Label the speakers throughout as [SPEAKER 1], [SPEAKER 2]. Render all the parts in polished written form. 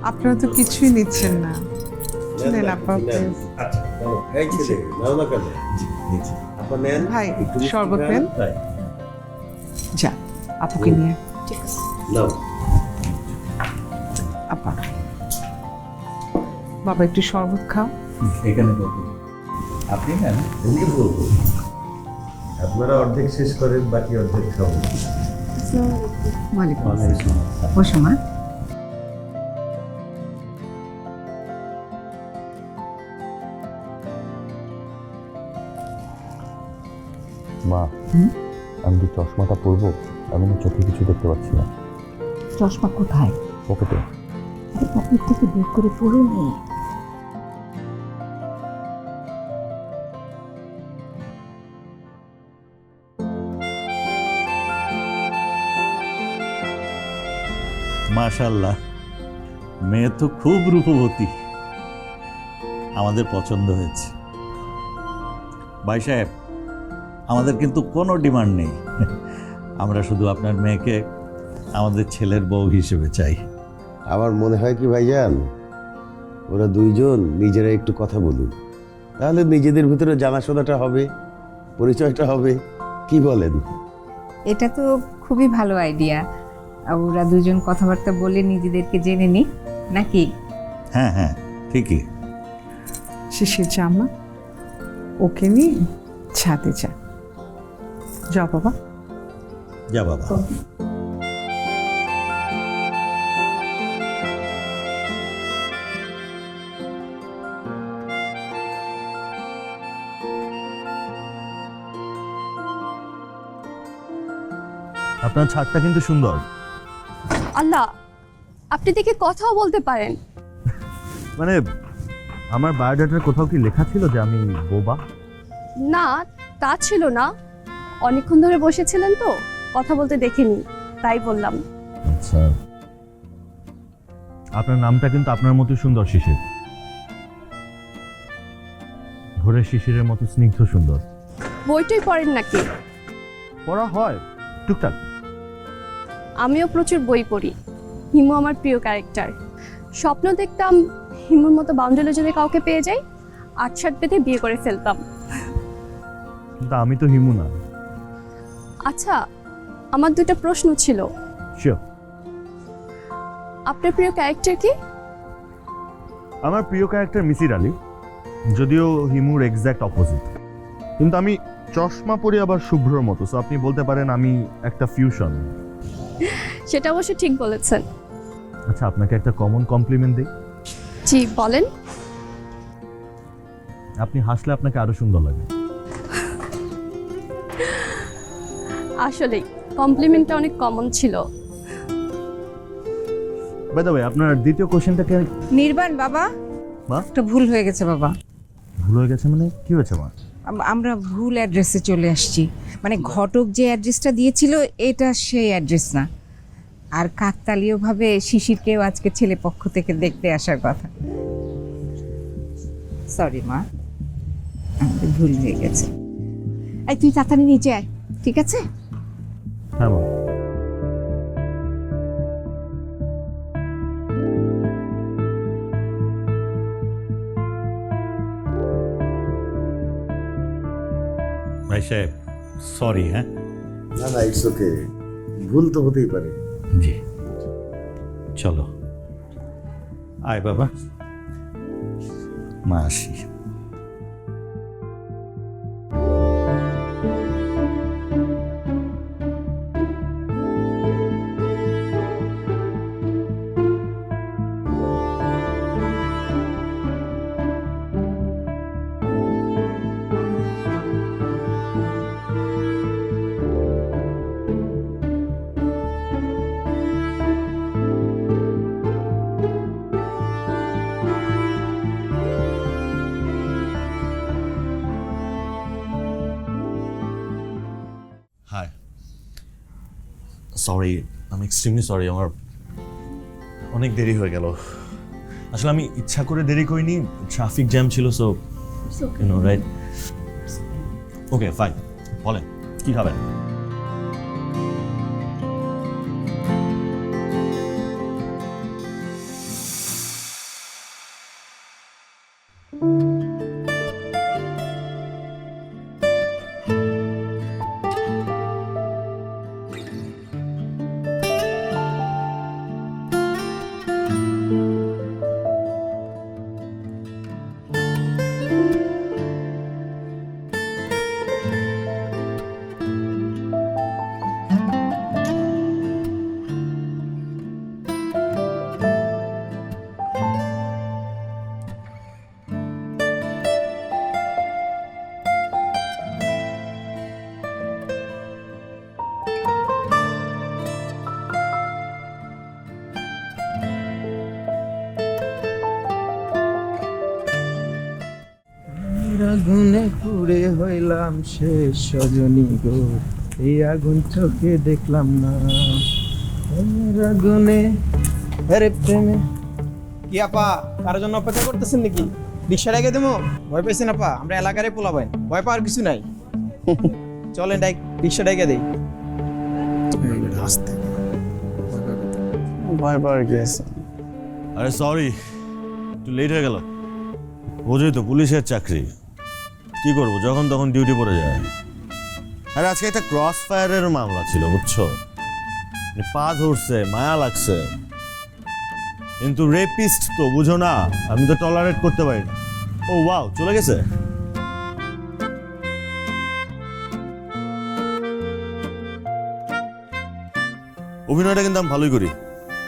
[SPEAKER 1] আপনারা তো কিছুই নিচ্ছেন না। নেন আপা প্লিজ।
[SPEAKER 2] আচ্ছা এই ছেলে নাও না কেন? আপা নেন
[SPEAKER 1] ভাই,
[SPEAKER 2] একটু
[SPEAKER 1] শরবত
[SPEAKER 2] মিষ্টি
[SPEAKER 1] নেন।
[SPEAKER 2] খান। তাই
[SPEAKER 1] যা আপুকে নিয়ে।
[SPEAKER 3] ঠিক আছে।
[SPEAKER 2] নাও
[SPEAKER 1] আপা বাবা একটু শরবত খাও।
[SPEAKER 4] এখানে কত আপনি নেন
[SPEAKER 2] আমি কি বলবো? আপনারা অর্ধেক শেষ করেন, বাকি অর্ধেক খাবো।
[SPEAKER 1] ওয়ালাইকুম আসসালাম। বসো মা।
[SPEAKER 5] মা আমি যে চশমাটা পরবো আমি না চোখে কিছু দেখতে পাচ্ছি না।
[SPEAKER 6] চশমা কোথায়?
[SPEAKER 5] পকেটে।
[SPEAKER 6] পকেট থেকে বের করে পড়ুনি।
[SPEAKER 4] মাশাআল্লাহ, মেয়ে তো খুব রূপবতী, আমাদের পছন্দ হয়েছে। ভাই সাহেব, আমাদের কিন্তু কোনো ডিমান্ড নেই, আমরা শুধু আপনার মেয়েকে আমাদের ছেলের বউ হিসেবে চাই।
[SPEAKER 2] আমার মনে হয় কি ভাইজান, ওরা দুইজন নিজেরা একটু কথা বলুন, তাহলে নিজেদের ভিতরে জানাশোনাটা হবে, পরিচয়টা হবে। কি বলেন?
[SPEAKER 7] এটা তো খুবই ভালো আইডিয়া। ওরা দুজন কথাবার্তা বলে নিজেদেরকে জেনে নিক নাকি?
[SPEAKER 4] হ্যাঁ হ্যাঁ, ঠিকই।
[SPEAKER 1] শিশির জামা ওকে নিয়ে ছাদে যা। যাও বাবা।
[SPEAKER 4] যা বাবা।
[SPEAKER 5] আপনার ছাদটা কিন্তু সুন্দর।
[SPEAKER 3] আল্লাহ, আপনি দেখে কথাও বলতে পারেন।
[SPEAKER 5] মানে আমার বায়োডাটার কোথাও কি লেখা ছিল যে আমি বোবা?
[SPEAKER 3] না, তা ছিল না। অনেকক্ষণ ধরে বসেছিলেন তো, কথা বলতে দেখিনি, তাই বললাম।
[SPEAKER 5] আচ্ছা, আপনার নামটা কিন্তু আপনার মতো সুন্দর, শিশির। ভোরের শিশিরের মতো স্নিগ্ধ সুন্দর।
[SPEAKER 3] বইটই পড়েন নাকি?
[SPEAKER 5] পড়া হয় টুকটাক।
[SPEAKER 3] আমিও প্রচুর বই পড়ি। হিমু আমার প্রিয় ক্যারেক্টার। স্বপ্ন দেখতাম হিমুর মতো বাউন্ডালে যদি কাউকে পেয়ে যাই, ৮-৭ বেঁধে বিয়ে করে ফেলতাম।
[SPEAKER 5] কিন্তু আমি তো হিমু না।
[SPEAKER 3] আচ্ছা, আমার দুটো প্রশ্ন ছিল।
[SPEAKER 5] শিওর।
[SPEAKER 3] আপনার প্রিয় ক্যারেক্টার কি?
[SPEAKER 5] আমার প্রিয় ক্যারেক্টার মিসির আলী, যদিও হিমুর এক্স্যাক্ট অপোজিট। কিন্তু আমি চশমা পরি আবার শুভ্রর মতো, সো আপনি বলতে পারেন আমি একটা ফিউশন।
[SPEAKER 3] সেটা অবশ্য ঠিক বলেছেন।
[SPEAKER 5] আচ্ছা, আপনাকে একটা কমন কমপ্লিমেন্ট দিই।
[SPEAKER 3] জি বলেন।
[SPEAKER 5] আপনি হাসলে আপনাকে আরো সুন্দর লাগে।
[SPEAKER 3] আসলেই কমপ্লিমেন্টটা অনেক কমন ছিল।
[SPEAKER 5] বাই দ্য ওয়ে, আপনার দ্বিতীয় কোশ্চেনটাকে
[SPEAKER 7] নির্বাণ বাবা,
[SPEAKER 5] মা?
[SPEAKER 7] একটা ভুল হয়ে গেছে বাবা।
[SPEAKER 5] ভুল হয়ে গেছে মানে কি হয়েছে মা?
[SPEAKER 7] আমরা ভুল অ্যাড্রেসে চলে আসছি। মানে ঘটক যে অ্যাড্রেসটা দিয়েছিল এটা সেই অ্যাড্রেস না। আর কাকতালীয়ভাবে শিশিরকেও আজকে ছেলে পক্ষ থেকে দেখতে আসার কথা। সরি মা, আমাদের ভুল হয়ে গেছে। এই তুই তাড়াতাড়ি নিচে আয়, ঠিক আছে?
[SPEAKER 5] হ্যাঁ মা।
[SPEAKER 4] ভাই সাহেব, সরি। হ্যাঁ,
[SPEAKER 2] না না, ইটস ওকে, ভুল তো হতেই পারে।
[SPEAKER 4] জি, চলো আয় বাবা, মা আসি।
[SPEAKER 5] হাই, সরি, আমি এক্সট্রিমলি সরি, আমার অনেক দেরি হয়ে গেল। আসলে আমি ইচ্ছা করে দেরি করিনি, ট্রাফিক জ্যাম ছিল, so you know right. Okay fine, বলেন কি খাবেন?
[SPEAKER 8] আগুনে পুড়ে হইলাম শেষ সজনী গো, এই আগুন চোখে দেখলাম না। আগুনে আরে প্রেমে কি আপা কারোর জন্য অপেক্ষা করতেছেন নাকি? রিক্সা রেখে দেবো? ভয় পেয়েছেন আপা? আমরা এলাকারে পোলাবেন, ভয় পাওয়ার কিছু নাই। চলেন রিক্সা ডেকে দেই। ভয় পাওয়ার কি আছে?
[SPEAKER 5] আরে সরি, একটু লেট হয়ে গেল। বোঝোই তো পুলিশের চাকরি, কি করবো যখন তখন ডিউটি পড়ে যায়। আরে আজকে একটা ক্রস ফায়ারের মামলা ছিল বুঝছো, পা ধরছে, মায়া লাগছে, কিন্তু রেপিস্ট তো বুঝো না, আমি তো টলারেট করতে পারি না। ও ওয়াও, চলে গেছে। অভিনয়টা কিন্তু আমি ভালোই করি।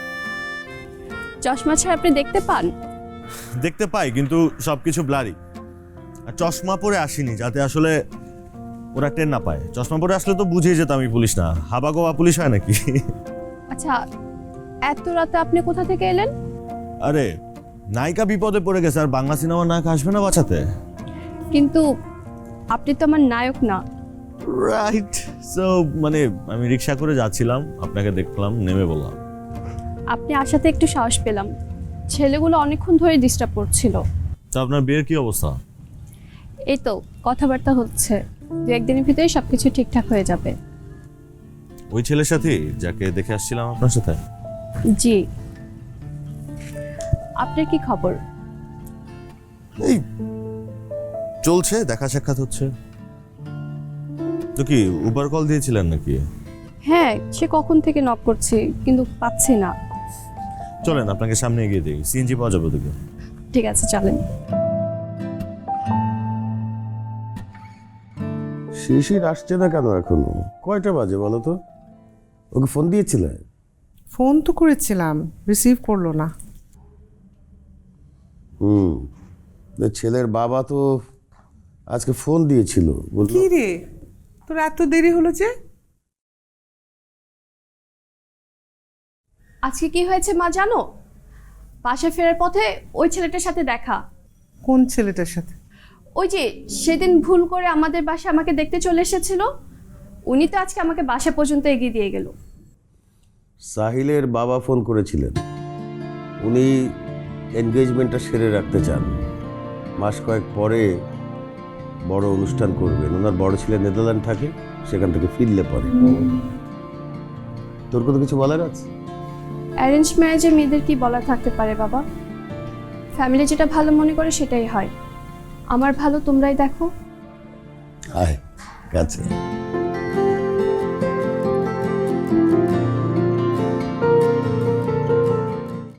[SPEAKER 3] চশমা ছাড়া আপনি দেখতে পান?
[SPEAKER 5] দেখতে পাই, কিন্তু সবকিছু ব্লারি। আর চশমা পরে আসিনি যাতে আসলে ওরা টের না পায়। চশমা পরে আসলে তো বুঝেই যেত আমি পুলিশ না, হাবা গোবা পুলিশ হয় নাকি।
[SPEAKER 3] আচ্ছা, এত রাতে আপনি কোথা থেকে এলেন?
[SPEAKER 5] আরে নায়িকা বিপদে পড়ে গেছে, আর বাংলা সিনেমার নায়ক আসবে না বাঁচাতে?
[SPEAKER 3] কিন্তু আপনি তো আমার নায়ক না।
[SPEAKER 5] রাইট, সো মানে আমি রিক্সা করে যাচ্ছিলাম, আপনাকে দেখলাম, নেমে বললাম।
[SPEAKER 3] আপনি আসাতে একটু সাহস পেলাম। ছেলেগুলো অনেকক্ষণ ধরে ডিস্টার্ব করছিল।
[SPEAKER 5] তো আপনার বিয়ের কি অবস্থা?
[SPEAKER 3] এই তো কথাবার্তা হচ্ছে, 2-1 দিনের ভিতরে সবকিছু ঠিকঠাক হয়ে যাবে।
[SPEAKER 5] ওই ছেলের সাথে যাকে দেখে আসছিলাম আপনার সাথে?
[SPEAKER 3] জি। আপনার কি খবর?
[SPEAKER 5] এই চলছে, দেখা সাক্ষাৎ হচ্ছে। তো কি উবার কল দিয়েছিলেন নাকি?
[SPEAKER 3] হ্যাঁ, সে কখন থেকে নক করছি কিন্তু পাচ্ছি না।
[SPEAKER 5] চলেন আপনাকে সামনে এগিয়ে দিই, সিএনজি পাওয়া যাবে ওদিকে।
[SPEAKER 3] ঠিক আছে, চলেন।
[SPEAKER 2] শিশির আসছে না কেন এখনো? কয়টা বাজে বলো তো? ওকে ফোন দিয়েছিলে?
[SPEAKER 1] ফোন তো করেছিলাম, রিসিভ করলো না।
[SPEAKER 2] ছেলের বাবা তো আজকে ফোন দিয়েছিল, বললো
[SPEAKER 1] কি রে, তোর এত দেরি হলো যে?
[SPEAKER 3] আজকে কি হয়েছে মা জানো? বাসা ফেরার পথে ওই ছেলেটার সাথে দেখা।
[SPEAKER 1] কোন ছেলেটার সাথে?
[SPEAKER 3] ওই যে সেদিন ভুল করে আমাদের বাসা আমাকে দেখতে চলে এসেছিল, উনি তো আজকে আমাকে বাসা পর্যন্ত এগিয়ে দিয়ে গেল।
[SPEAKER 2] সাহিলের বাবা ফোন করেছিলেন, উনি এনগেজমেন্টটা সেরে রাখতে চান, মাস কয়েক পরে বড় অনুষ্ঠান করবেন। ওনার বড় ছেলে নেদারল্যান্ড থাকে, সেখান থেকে ফিরলে পরে। তোর কোনো কিছু বলার আছে?
[SPEAKER 3] অ্যারেঞ্জ ম্যারেজে মেয়েদের কি বলা থাকতে পারে বাবা? ফ্যামিলি যেটা ভালো মনে করে সেটাই হয়। আমার ভালো তোমরাই দেখো।
[SPEAKER 2] আয় কাছে।